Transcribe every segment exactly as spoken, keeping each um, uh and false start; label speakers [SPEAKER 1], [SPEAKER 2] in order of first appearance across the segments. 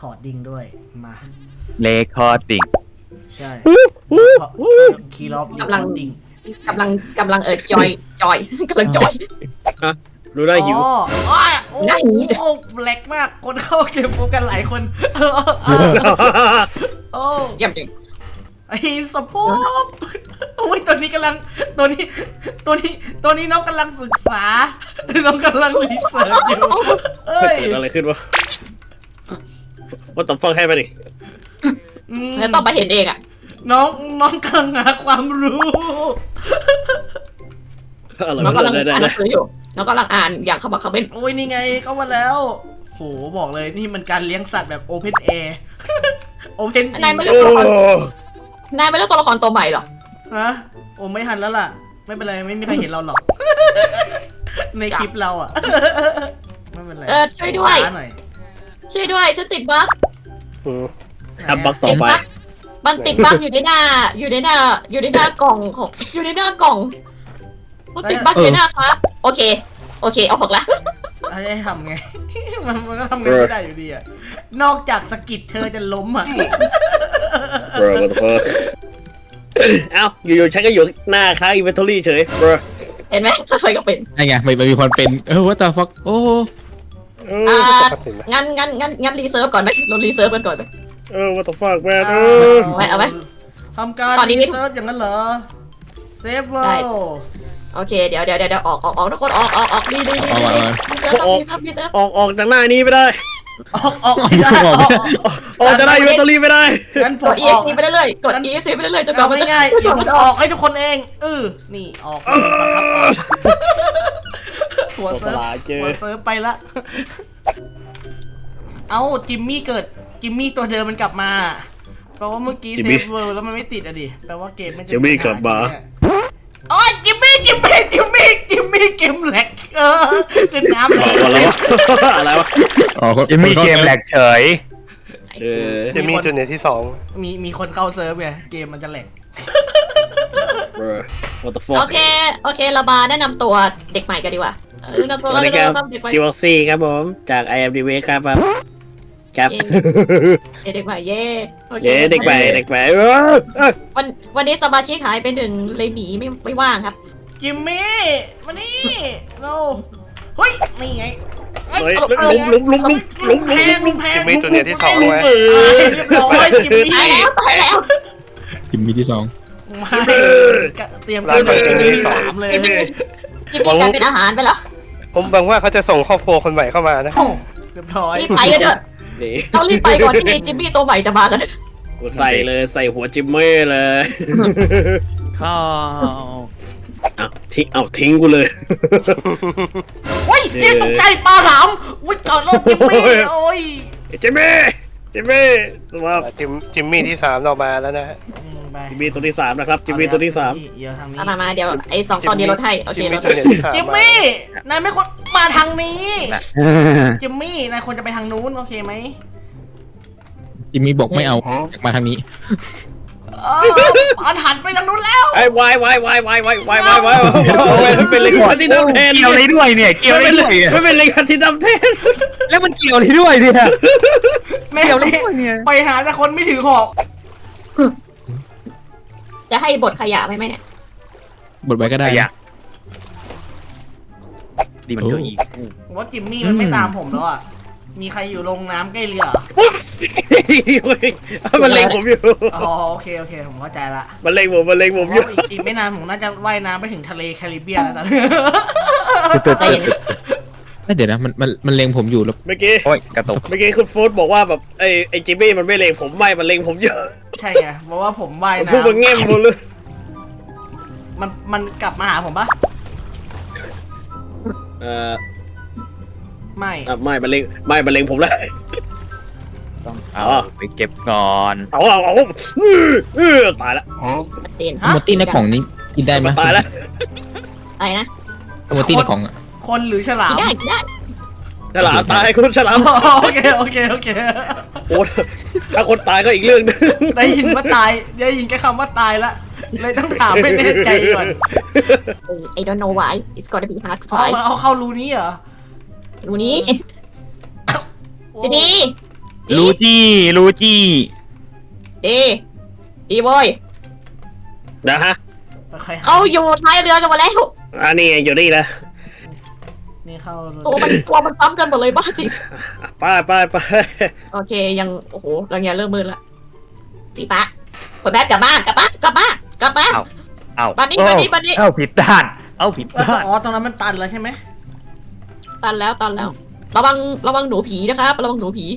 [SPEAKER 1] คอร์ดดิ้งด้วยมา
[SPEAKER 2] เลคอร์ดิ้ง
[SPEAKER 1] ใช่คีย์ล็อกกำ
[SPEAKER 3] ลั
[SPEAKER 1] ลั
[SPEAKER 3] ง
[SPEAKER 1] งดิ้ง
[SPEAKER 3] กำลังกำลังเออจอยจอยกำลังจอย
[SPEAKER 4] รู้ได้หิว
[SPEAKER 1] อ๋ออ้าวโอ้
[SPEAKER 3] ได้หิว
[SPEAKER 1] โหแหลกมากคนเข้าเกมโปรกันหลายคนโอ้
[SPEAKER 3] เยี่ยมจริง
[SPEAKER 1] ไอ้สปอปโอ้ยตัวนี้กำลังตัวนี้ตัวนี้ตัวนี้น้องกำลังศึกษาน้องกำลังรีเสิร์ชอยู่เอ้ย
[SPEAKER 4] เกิดอะไรขึ้นวะว่าต้องฟังให้มาดิ
[SPEAKER 1] อืม
[SPEAKER 3] แล้วต้องไปเห็นเองอ่ะ
[SPEAKER 1] น้องน้องกำลังหาความรู้
[SPEAKER 4] อะไร
[SPEAKER 3] น้องกำลัง
[SPEAKER 4] ได้ได้
[SPEAKER 3] อ่านห
[SPEAKER 4] ได้
[SPEAKER 3] นังสืออยู่น้องกำลังอ่านอย่างเขาบอกเขาเป็น
[SPEAKER 1] โอ้ยนี่ไงเข้ามาแล้วโหบอกเลยนี่มันการเลี้ยงสัตว์แบบโอเพนแอร์โอเพน
[SPEAKER 3] นายไม่
[SPEAKER 4] โอ้
[SPEAKER 3] เลือกตัวละครนายไม่เลือกตัวละครตัวใหม่หรอ
[SPEAKER 1] ฮะโอ้ไม่ทันแล้วล่ะ ไม่เป็นไรไม่มีใครเห็นเราหรอก ในคลิปเราอ่ะไม่เป็นไร
[SPEAKER 3] เออช่วยด้วย
[SPEAKER 1] ช้าหน่อย
[SPEAKER 3] ช่วยด้วยฉันติดบั๊ก
[SPEAKER 4] ทำบักต่อไป
[SPEAKER 3] มันติดบั๊กอยู่ในหน้า อยู่ในหน้า อยู่ในหน้ากล่องของอยู่ในหน้ากล่องมันติดบั๊กอยู่ในหน้าครับโอเค โอเคเอาออกละ
[SPEAKER 1] ให้ทำไง มันมันก็ทำไงไม่ได้อยู่ดีอ่ะนอกจากสกิดเธอจะล้มอ่ะ
[SPEAKER 4] เบรอวันเฟอร์เอ้าอยู่ๆฉันก็อยู่หน้าค้างอินเวนทอรี่เฉยเบรอ
[SPEAKER 3] เห็นไหมใครก็เป็น
[SPEAKER 2] ไอ้ไงมันมีคนเป็นเออว่าแต่ฟักโอ้
[SPEAKER 3] อ่างั้นงั้นงั้นงั้นรีเซิร์ฟก่อนไหมเรารีเซิร์ฟกันก่อนไหม
[SPEAKER 4] เออว่าต้องฟังแมนเออ
[SPEAKER 3] เอาไว้เอาไว้
[SPEAKER 1] ทำการ
[SPEAKER 3] ตอนนี้
[SPEAKER 1] รีเซิร์ชอย่างนั้นเหรอเซฟเว
[SPEAKER 3] ได้
[SPEAKER 1] ล
[SPEAKER 3] โอเคเดี๋ยวเดี๋ยวเดี๋ยวออกออกออกทุกคนออกออกออกดีดีดีดีรีเซิร์ฟรีเซิร์ฟรีเซิร์ฟ
[SPEAKER 4] ออกออกจากหน้านี้ไม่ได้
[SPEAKER 1] ออกออกไม่ได้ออกออก
[SPEAKER 4] ออกจากหน้าอินเวนทอรี่ไม่ได้
[SPEAKER 1] งั้นผ
[SPEAKER 3] ก
[SPEAKER 1] ม
[SPEAKER 3] ด
[SPEAKER 1] ออก
[SPEAKER 3] เอ็กซ์ไปเรื่อยๆกดเอ็กซ์ไปเรื่อยๆจนกว่า
[SPEAKER 1] เอา
[SPEAKER 3] มันจะ
[SPEAKER 1] ง่ายๆเดี๋ยวผมออกให้ทุกคนเองเออนี่ออกครับออกหัวเซิร์ฟหัวเซิร์ฟไปละเอ้าจิมมี่เกิดจิมมี่ตัวเดิมมันกลับมาแปลว่าเมื่อกี้เซฟเวิลด์แล้วมันไม่ติดอะดิแปลว่าเกมมันจะ
[SPEAKER 4] จิมมี่กลับมา
[SPEAKER 1] อ๋อจิมมี่จิมมี่จิมมี่จิมมี่เกมแหลกเออขึ้นน้ำเลย
[SPEAKER 4] อะไรวะอะไรวะ
[SPEAKER 2] อ๋อ
[SPEAKER 5] จะมีเกมแหลกเฉย
[SPEAKER 4] เออ
[SPEAKER 5] จะมีจุดเด่นที่สอง
[SPEAKER 1] มีมีคนเข้าเซิร์ฟไงเกมมันจะแหลก
[SPEAKER 4] เบรอ what the fuck
[SPEAKER 3] โอเคโอเคเรามาแนะนำตัวเด็กใหม่กันดีกว่าเออแนะนำตัว
[SPEAKER 4] สวัส
[SPEAKER 3] แนะ
[SPEAKER 4] ดีครับ
[SPEAKER 3] นำเด็กใหม่
[SPEAKER 4] จิวซี่ครับผมจาก ไอ เอ็ม ดี วี ครับครับ
[SPEAKER 3] เด็กใหม่เย่โอเค
[SPEAKER 4] เย้เด็กใหม่เด็กใหม่เออ
[SPEAKER 3] วันวันนี้สมาชิกหายไปหนึ่งเลยหมีไม่ไม่ว่างครับ
[SPEAKER 1] จิมมี่มานี่เราเฮ้ยนี่ไง
[SPEAKER 4] เฮ้ยลุมลุมลุมลุมลุม
[SPEAKER 1] แพงลุมแพง
[SPEAKER 5] จะมีจุดเด่นที่สองไว้
[SPEAKER 4] เออ
[SPEAKER 1] เรียบร้อยจิมมี่
[SPEAKER 3] ตายแล้วตายแล้ว
[SPEAKER 2] จิมมี่ที่สอง
[SPEAKER 1] มาเตรียมตัวเลยจิมมี่สามเลย
[SPEAKER 3] จิมมี่จิมมี่กลายเป็นอาหารไปแล้ว
[SPEAKER 5] ผมหวังว่าเขาจะส่งครอบครัวคนใหม่เข้ามานะ
[SPEAKER 1] โอ้เรียบร้อย
[SPEAKER 3] รีบไปกันเถอะ
[SPEAKER 4] นี่
[SPEAKER 3] เรารีบไปก่อนที่จิมมี่ตัวใหม่จะมากัน
[SPEAKER 4] กูใส่เลยใส่หัวจิมเม่เลย
[SPEAKER 2] ข้าว
[SPEAKER 4] เอาทิ้งเอาทิ้งกูเลย
[SPEAKER 1] โอ้ยเจี๊ยบตกใจปลาหลามวิ่งก่อนแล้วจิมมี่โอ้ย
[SPEAKER 4] จิมมี่จิมมี่สวัสดี
[SPEAKER 5] จิมจิมมี่ที่สามเรามาแล้วนะฮะ
[SPEAKER 1] ไป
[SPEAKER 4] จิมมี่ตัวที่สามนะครับจิมมี่ตัวที่สาม
[SPEAKER 1] เดี๋ยวทางนี้
[SPEAKER 3] มามามาเดี๋ยวไอ้สองตอนนี้ลดให้โอเค
[SPEAKER 5] จิม
[SPEAKER 3] ล
[SPEAKER 5] มี่
[SPEAKER 3] ด
[SPEAKER 5] จุด
[SPEAKER 3] ให้
[SPEAKER 5] เด่นที่สาม
[SPEAKER 1] จิมมี่นายไม่ควรมาทางนี้จิมมี่นายควรจะไปทางนู้นโอเคไหม
[SPEAKER 2] จิมมี่บอกไม่เอามาทางนี้
[SPEAKER 1] เอออันหันไปทางนู้นแล้ว
[SPEAKER 4] ไอ้วายวายวายวายวายวายวายวายมันเป็นเลยคันที่ดำแทน
[SPEAKER 5] เกี่ยวอะไรด้วยเนี่ยเกี่ยวอะไร
[SPEAKER 4] ไม่เป็น
[SPEAKER 5] ด้วย
[SPEAKER 4] ไม่เป็นเลยคันที่ดำแทน
[SPEAKER 5] แล้วมันเกี่ยวอะไรด้วยเนี่ย
[SPEAKER 1] แม่ไปหาแต่คนไม่ถือหอก
[SPEAKER 3] จะให้บทขยะไหมไหมเนี่ย
[SPEAKER 2] บทไว้ก็ได้
[SPEAKER 5] ขยะ
[SPEAKER 2] ดีมันเยอะอีก
[SPEAKER 1] ผมว่าจิมมี่มันไม่ตามผมแล้วอ่ะมีใครอยู่ลงน้ำใกล้เรือ
[SPEAKER 4] มันเล็งผมอยู่
[SPEAKER 1] อ๋อโอเคโอเคผมเข้าใจละ
[SPEAKER 4] มันเล็งผมมันเล็งผมอยู่
[SPEAKER 1] อีกอีกไม่นานผมน่าจะว่ายน้ำไปถึงทะเลแคริบเบียนแล้วตอนนี้
[SPEAKER 3] ใจเย็น
[SPEAKER 2] เดี๋ยวนะมันมันมันเลงผมอยู่แล้ว
[SPEAKER 4] เมื่อกี้
[SPEAKER 5] โอ้ยกระตุก
[SPEAKER 4] เมื่อกี้คุณโฟร์บอกว่าแบบไอ้ไอ้จิมมี่มันไม่เล็งผมไม่มันเล็งผมเยอะ
[SPEAKER 1] ใช่ไงเพราะว่าผมว่าย
[SPEAKER 4] พูดมันแง่ม
[SPEAKER 1] น้ำ
[SPEAKER 4] หมดเลย
[SPEAKER 1] มันมันกลับมาหาผมปะ
[SPEAKER 4] เออ
[SPEAKER 1] ไม่
[SPEAKER 4] อ่ะไม่มันเล็งไม่มันเล็งผมแล้ว
[SPEAKER 2] ต้องเอาไปเก็บก่อน
[SPEAKER 4] เอาเอาเอาเออตายละ
[SPEAKER 3] เตียน
[SPEAKER 2] โมตี้ในกล่องนี้กินได้ไหม
[SPEAKER 4] ตายละ
[SPEAKER 3] อะไรนะ
[SPEAKER 2] โมตี้ในกล่องอ่ะ
[SPEAKER 1] คนหรือฉลาม
[SPEAKER 3] ได้ได้
[SPEAKER 4] ฉลามตายคุณฉลาม
[SPEAKER 1] โอเคโอเคโอเค
[SPEAKER 4] โอ้ถ้าคนตายก็อีกเรื่องนึง
[SPEAKER 1] ได้ยินว่าตายได้ยินแค่คำว่าตายละเลยต้องถามให้แน่ใจก่อน
[SPEAKER 3] ไอ้ don't know why it's gonna be hard to
[SPEAKER 1] เอา
[SPEAKER 3] find
[SPEAKER 1] มาเอาเข้ารูนี้เหรอ
[SPEAKER 3] ดูนี้
[SPEAKER 1] โอ้
[SPEAKER 3] จิมมี่
[SPEAKER 1] จ
[SPEAKER 2] ลูจี้ลูจี้
[SPEAKER 3] ดีดีโว้ย
[SPEAKER 4] นะฮะ
[SPEAKER 1] ค่อยๆห
[SPEAKER 3] เขาอยู่ท้ายเรือกันหมดแล้ว
[SPEAKER 4] อันนี้อยู่นี่นะ
[SPEAKER 1] นี่เข้า
[SPEAKER 3] ตัวมันตัวมันซ้ำกันหมดเลยบ้าจริง
[SPEAKER 4] ไปไปไป
[SPEAKER 3] โอเคยังโอ้โหรังยาเริ่มมืดละจีปะคนแม่กลับบ้านกลับบ้านกลับบ้านกลับบ้าน
[SPEAKER 2] เอ้า
[SPEAKER 3] บ้านนี้บ้านนี้บ้านนี้
[SPEAKER 2] เอ้าผิดด้านเอ้าผิดด้าน
[SPEAKER 1] อ๋อตรงนั้นมันตันแล้วใช่ไหม
[SPEAKER 3] ตันแล้วตันแล้ว ระวังระวังหนูผีนะครับระวังหนูผี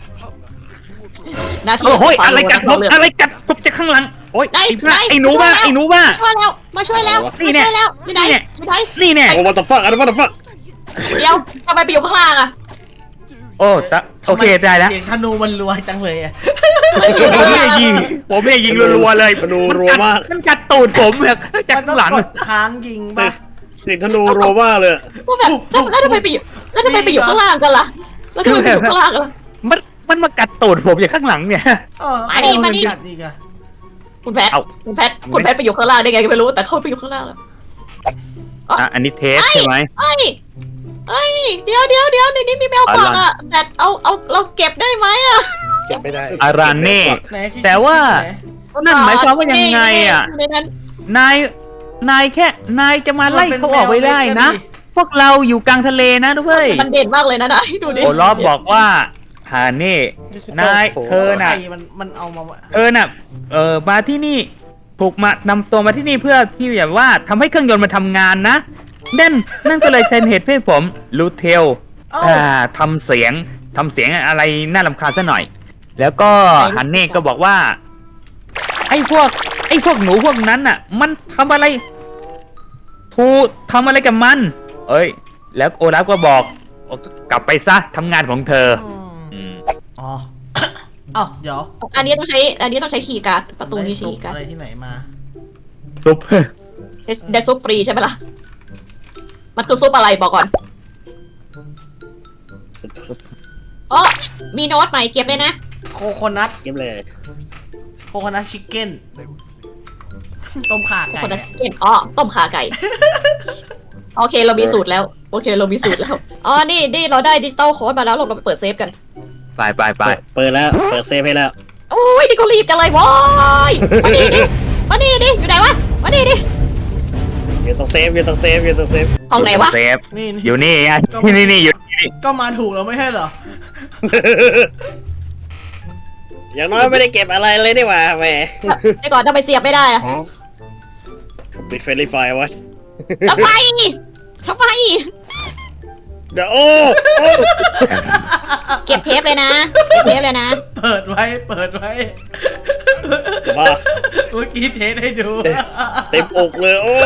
[SPEAKER 3] นาที
[SPEAKER 2] โอ้ย
[SPEAKER 3] ความ
[SPEAKER 2] อะไรกัดผม
[SPEAKER 3] เรือ
[SPEAKER 2] อะไรกัดผมจากข้างหลังโอ้ย
[SPEAKER 3] ได้
[SPEAKER 2] ไอ้บ้า
[SPEAKER 3] ได้
[SPEAKER 2] ไอ้หนูบ้า
[SPEAKER 3] ช่วยแล้ว
[SPEAKER 2] ไอ้หนูบ้า
[SPEAKER 3] ช่วยแล้วมาช่วยแล้ว
[SPEAKER 2] นี่
[SPEAKER 3] มา
[SPEAKER 2] แน่
[SPEAKER 3] ช่วยแล้วไม่ได้
[SPEAKER 2] นี่แน่
[SPEAKER 3] ไม่ได้
[SPEAKER 2] นี่แน่
[SPEAKER 4] โอ้ what the fuck อะไร what the fuck
[SPEAKER 3] เดี๋ยวทำไมไปอยู่ข้างล่างอะ
[SPEAKER 2] โอ้ซะโอเคได้แล้ว
[SPEAKER 1] เสียงธนูมันรัวจังเลยอะ
[SPEAKER 2] ผมไม่ได้ยิงผมไม่ได้ยิงรัวๆเลย
[SPEAKER 4] ธนูรัวมาก
[SPEAKER 2] มันกัดตูดผมแบบจาก
[SPEAKER 1] มันต้อ
[SPEAKER 2] ข้าง งหลัง
[SPEAKER 1] กดค้างยิงป่ะ
[SPEAKER 4] เสียงธนูรัวมากเลย
[SPEAKER 3] ว่าแบบแล้วแล้วทำไมไปอยู่แล้วทำไมไปอยู่ข้างล่างกันล่ะแล้วทำไมไปอยู่ข้างล่างกันล่ะ
[SPEAKER 2] มันมันมากัดตูดผมจากข้างหลังเนี่ย
[SPEAKER 1] เออ
[SPEAKER 3] มาดิมาดิ
[SPEAKER 1] กัดอีกอะ
[SPEAKER 3] คุณแพท
[SPEAKER 2] เอา
[SPEAKER 3] คุณแพทคุณแพทไปอยู่ข้างล่างได้ไงก็ไม่รู้แต่เขาไปอยู่ข้างล่างแล้ว
[SPEAKER 2] อ่ะอันนี้เทสใช่ไหม
[SPEAKER 3] เอ้ยเอ้ยเดี๋ยวเดี๋ยวเดี๋ยวในนี้มีแมวกวักอะแต่เอาเอาเราเก็บได้ไหมอะ
[SPEAKER 5] เก็บไม่ได้
[SPEAKER 2] อารานเน่
[SPEAKER 1] ไหนคิด
[SPEAKER 2] แต่ว่า
[SPEAKER 1] ไหน
[SPEAKER 2] นั่นหมายความว่ายังไงอ่ะ
[SPEAKER 3] ในนั้น
[SPEAKER 2] นาย นายแค่ นายจะมาไล่เขาออกไปได้นะ พวกเราอยู่กลางทะเลนะด้วย
[SPEAKER 3] มันเด่นมากเลยนะนายดูดิ
[SPEAKER 2] โอลอฟบอกว่าฮาเน่ นายเธอ
[SPEAKER 1] ใคร
[SPEAKER 2] น่ะ
[SPEAKER 1] มันมันเอามาวะ
[SPEAKER 2] เธอน่ะ เออมาที่นี่ ถูกมานำตัวมาที่นี่เพื่อที่แบบว่าทำให้เครื่องยนต์มันทำงานนะ นั่น นั่นก็เลยเป็นเหตุให้ผมรูเทล
[SPEAKER 1] เอ้า
[SPEAKER 2] อ่าทำเสียงทำเสียงอะไรน่ารำคาญซะหน่อย แล้วก็ฮันเน่ก็บอกว่า ไอ้พวก ไอ้พวกหนูพวกนั้นน่ะ มันทำอะไรทูทำอะไรกับมัน เอ้ย แล้วโอลาฟก็บอกกลับไปซะทำงานของเธอ
[SPEAKER 1] อืม
[SPEAKER 2] อืม
[SPEAKER 1] อ๋อ เอ้าเดี๋ยว
[SPEAKER 3] อันนี้ต้องใช้อันนี้ต้องใช้คีย์การ์ดประตูนี้
[SPEAKER 1] ได้ซุ
[SPEAKER 3] คี
[SPEAKER 1] ป
[SPEAKER 3] ย์การ์
[SPEAKER 1] อะไร
[SPEAKER 3] ด
[SPEAKER 1] ที่ไหนมา
[SPEAKER 2] ซุป
[SPEAKER 3] ได้ซุปฟรีใช่ไหมล่ะมันคือซุปอะไรบอกก่อนอ๋อมีโน้ตใหม่เก็บเลยนะ
[SPEAKER 1] โคโคนัท
[SPEAKER 4] เก็บเลย
[SPEAKER 1] โคโคนัทชิคเก้น ต้มข่าไก่
[SPEAKER 3] คนละเก็นอ๋อต้มขาไก่ โอเคเรามีสูตรแล้ว โอเคเรามีสูตรแล้ว อ๋อ นี่นี่เราได้ดิจิตอลโค้ดมาแล้วเราเราไปเปิดเซฟกัน
[SPEAKER 2] ไปไปไป
[SPEAKER 4] เปิดแล้วเปิดเซฟให้แล้ว
[SPEAKER 3] โอ้ยนี่ก็รีบกันเลยว้ายมานี่ดิมานี่ดิอยู่ไหนวะมานี่ดิ
[SPEAKER 4] อยู่ตรงเซฟอยู่ตรงเซฟอยู่ตรงเซฟ
[SPEAKER 3] ห้องไหนวะ
[SPEAKER 2] เซฟ
[SPEAKER 1] นี่นี่
[SPEAKER 2] อยู่นี่ไงนี่นี่นี่อยู่นี่
[SPEAKER 1] ก็มาถูกแล้วไม่ใช่เหรอ
[SPEAKER 4] อย่างน้อยไม่ได้เก็บอะไรเลยนี่หว่าแหม
[SPEAKER 3] ไอ้ก่อนทำไมเสียบไม่ได้อะ
[SPEAKER 4] ปิดเฟรนลี่ไฟไว้
[SPEAKER 3] ทำไมทำไม
[SPEAKER 4] เดี๋ยวโอ้โอ้
[SPEAKER 3] เก็บเทปเลยนะเก็บเทปเลยนะ
[SPEAKER 1] เปิดไว้ เปิดไว้
[SPEAKER 4] บ้า
[SPEAKER 1] เมื่อกี้เทสให้ดู
[SPEAKER 4] เต็มอกเลยโอ้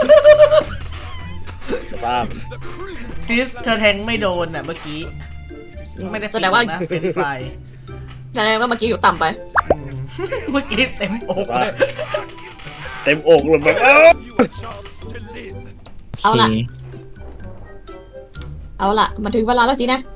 [SPEAKER 4] สภาพ
[SPEAKER 1] คริสเธอแทงไม่โดนน่ะเมื่อกี้ ไม่ได้
[SPEAKER 3] แสดงว่า
[SPEAKER 1] นะเป็นไฟ
[SPEAKER 3] แสดงว่าเมื่อกี้อยู่ต่ำไป
[SPEAKER 1] เมื่อกี้เต็มอกเลย
[SPEAKER 4] เต็มอกเลยแบบเอ้า
[SPEAKER 3] เอาล่ะ เอาล่ะมาถึงเวลาแล้วสินะ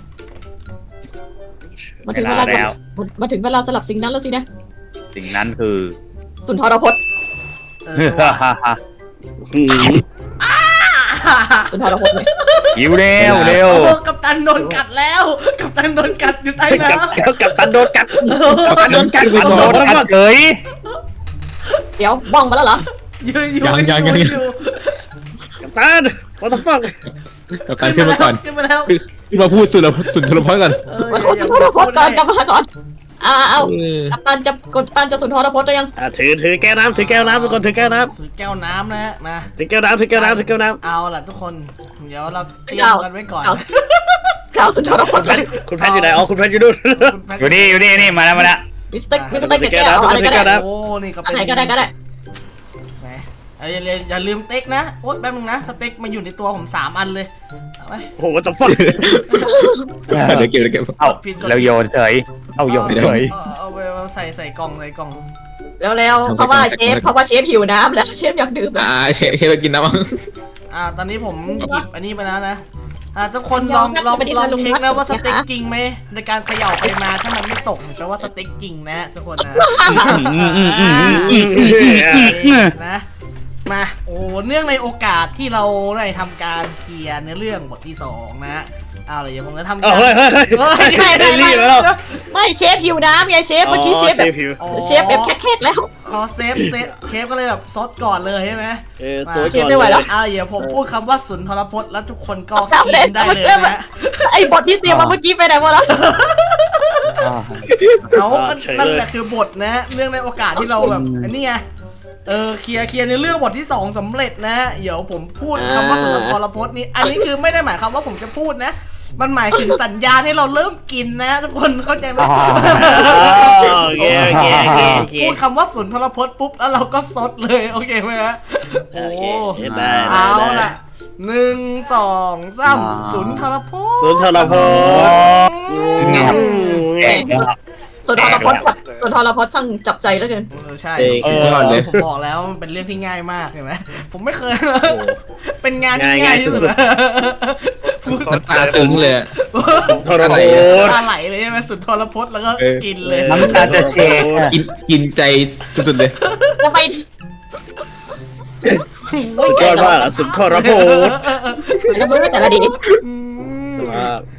[SPEAKER 3] มา
[SPEAKER 2] เว
[SPEAKER 3] ถึงเว
[SPEAKER 2] ลา
[SPEAKER 3] ลา
[SPEAKER 2] แล้ว
[SPEAKER 3] มาถึงเวลาสลับสิ่งนั้นแล้วสินะ
[SPEAKER 2] สิ่งนั้นคือ
[SPEAKER 3] สุนทรพจน์
[SPEAKER 1] เออว่ะ
[SPEAKER 4] หืม
[SPEAKER 3] สุนทรพจน์เลย
[SPEAKER 2] หิวเร็วเร็ว
[SPEAKER 1] โอ้กัปตันโดนกัดแล้ว กัปตันโดนกัดอยู่ใต้น้
[SPEAKER 4] กับกับกับตันโดนกัด
[SPEAKER 1] ำ
[SPEAKER 4] กับตันโดนกัด
[SPEAKER 2] โดนกัดเกย
[SPEAKER 3] เดี๋ยวบ้องมาแล้วเหรอ
[SPEAKER 1] ยืนอยู่
[SPEAKER 6] ยังยังยัง
[SPEAKER 1] อยู่
[SPEAKER 4] กับตัน what the fuck
[SPEAKER 6] กับการขึ้นมาก่อน
[SPEAKER 1] ขึ้นมาแล้ว
[SPEAKER 6] ขึ้นมาพูดสุดแล้วสุดทรพจน์ก่อน
[SPEAKER 1] เออ
[SPEAKER 3] สุน
[SPEAKER 1] อย่า
[SPEAKER 3] ทรพจน์ก่อนกลับมาก่อนอ่าเอา
[SPEAKER 6] เออ
[SPEAKER 3] กัปตันจะกัปตันจะสุนทรพจน์ได้ยัง
[SPEAKER 4] อ่ะถือถือแก้วน้ำถือแก้วน้ำทุกคนถือแก้วน้
[SPEAKER 1] ถือแก้วน้ำนะฮะมา
[SPEAKER 4] ำถือแก้วน้ำถือแก้วน้ำถือแก้วน้
[SPEAKER 1] เอาล่ะทุกคน เดี๋ยวเราเตรียมกันไว้ก่อน
[SPEAKER 3] เอาข่าวสุนทรพจน์
[SPEAKER 4] ำคุณแพทย์อยู่ไหนอ๋อคุณแพทย์อยู่นู่น
[SPEAKER 2] อยู่นี่อยู่นี่นี่มาแล้วมาแล้ว
[SPEAKER 3] มิสเตอร์มิสเตอร์เก็บแก้วอะไรก็
[SPEAKER 4] แก้ว
[SPEAKER 3] ได้
[SPEAKER 4] น้ำ
[SPEAKER 1] โอ้ นี่ก็
[SPEAKER 3] อั
[SPEAKER 1] เป็น น
[SPEAKER 3] ไหนก็ได้ก็ได้
[SPEAKER 1] ไหนเอาอย่าลืมอย่าลืมสเต็กนะ โอ๊ยแป๊บนึงนะ สเต็กมันอยู่ในตัวผมสามอันเลย เอาไว้
[SPEAKER 4] โอ้โห what the fuck
[SPEAKER 6] เดี๋ยวเก็บเดี๋ยวเก็บ
[SPEAKER 2] เอาเราโยนเฉย เอาโยนเฉย
[SPEAKER 1] เอาเอาไปเอาใส่ใส่กล่องใส่กล่อง
[SPEAKER 3] แล้วแล้วเพราะว่าเชฟเพราะว่าเชฟหิวน้ำแล้วเชฟอยากดื่ม
[SPEAKER 6] อ่าเชฟเชฟไปกินน้ำมั้ง
[SPEAKER 1] อ่า ตอนนี้ผมหยิบอันนี้ไปแล้วนะ อ่า ทุกคนลองลองลองเช็คนะว่าสเต็กจริงไหมในการเขย่าไปมาถ้ามันไม่ตกแปลว่าสเต็กจริงนะทุกคนนะ นะ มา โอ้ เนื่องในโอกาสที่เราได้ทำการเคลียร์เนื้อเรื่องบทที่สองนะเอาเลยเดี๋ยวผมจะทำ
[SPEAKER 4] เอ้าเฮ้ยเฮ้ยเฮ้ย
[SPEAKER 1] เฮ้ย
[SPEAKER 3] ไม่ไม่
[SPEAKER 4] รี
[SPEAKER 3] ไม่
[SPEAKER 4] บแล้ว
[SPEAKER 3] ไม่เชฟหิวน้ำไงเชฟเมื่อกี้เชฟแบบ
[SPEAKER 4] ผิว
[SPEAKER 3] เชฟแบบแค่ๆแล้ว
[SPEAKER 1] อ๋อเซฟเซฟเชฟก็เลยแบบซดก่อนเลยใช่ไหม
[SPEAKER 4] เออสวย
[SPEAKER 3] เช
[SPEAKER 4] ก่
[SPEAKER 3] ฟ
[SPEAKER 4] อน
[SPEAKER 3] ไม่ไหวแล้ว
[SPEAKER 1] อ่าเดี๋ยวผมพูดคำว่าสุนทรพจน์แล้วทุกคนก็
[SPEAKER 3] ครับ
[SPEAKER 1] กินได้เลยนะฮะ
[SPEAKER 3] ไอ้บทที่เตรียมมาเมื่อกี้ไปไหนหมดแล้ว
[SPEAKER 1] เขาก็นั่นแหละคือบทนะ เรื่องในโอกาสที่เราแบบอันนี้ไงเออเคลียร์เคลียร์ในเรื่องบทที่สองสำเร็จนะเดี๋ยวผมพูดคำว่าสุนทรพจน์นี้อันนี้คือไม่ได้หมายความว่าผมจะพูดนะ มันหมายถึงสัญญาณให้เราเริ่มกินนะ ทุกคนเข้าใจไหม
[SPEAKER 4] โอเคโอเคโอเคโอเค
[SPEAKER 1] พูดคำว่าสุนทรพจน์ปุ๊บแล้วเราก็ซดเลยโอเคไหมฮะ
[SPEAKER 4] โอเค
[SPEAKER 1] โอ้
[SPEAKER 4] ได้ได้
[SPEAKER 1] เอา
[SPEAKER 4] ได้
[SPEAKER 1] ล่ะหนึ่งสองสามสุนทรพจน์
[SPEAKER 4] สุนทรพจน์
[SPEAKER 3] สุนทรพจน์จับสุนทรพจน์ช่างจับใจแล้วเกิน
[SPEAKER 1] เออใช่
[SPEAKER 4] เออ
[SPEAKER 6] ก่อนเลย
[SPEAKER 1] ผมบอกแล้วมันเป็นเรื่องที่ง่ายมากใช่ไหมผมไม่เคย เป็นงานที่
[SPEAKER 4] ง่าย
[SPEAKER 1] ง่าย
[SPEAKER 4] ๆ
[SPEAKER 1] ที่สุด
[SPEAKER 4] สุด
[SPEAKER 1] พูด
[SPEAKER 6] น้ำตาซึ้งเลยอะ
[SPEAKER 4] สุนทรพจน์
[SPEAKER 1] ตาไหลเลยใช่ไหมสุนทรพจน์แล้วก็
[SPEAKER 6] เออ
[SPEAKER 1] กินเลย
[SPEAKER 2] น้ำตาจะเชกอะ
[SPEAKER 6] กินกินใจสุดๆเลย
[SPEAKER 3] ทำไม
[SPEAKER 4] สุดยอดมากอะสุนทรพจน์
[SPEAKER 3] จะไม่แต่ละดี
[SPEAKER 1] อืม
[SPEAKER 4] สุดมาก